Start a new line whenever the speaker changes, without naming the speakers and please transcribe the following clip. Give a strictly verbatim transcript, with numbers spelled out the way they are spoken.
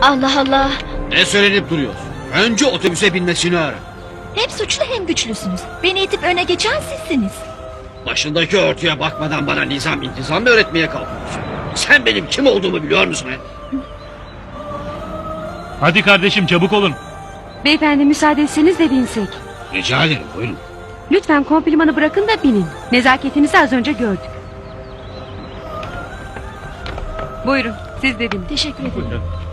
Allah Allah.
Ne söylenip duruyorsun? Önce otobüse binmesini ara.
Hem suçlu hem güçlüsünüz. Beni itip öne geçen sizsiniz.
Başındaki örtüye bakmadan bana nizam intizam mı öğretmeye kalkıyorsun? Sen benim kim olduğumu biliyor musun he?
Hadi kardeşim çabuk olun.
Beyefendi müsaade etseniz de binsek.
Rica ederim buyurun.
Lütfen komplimanı bırakın da binin. Nezaketinizi az önce gördük. Buyurun siz de binin.
Teşekkür ederim.
Buyurun.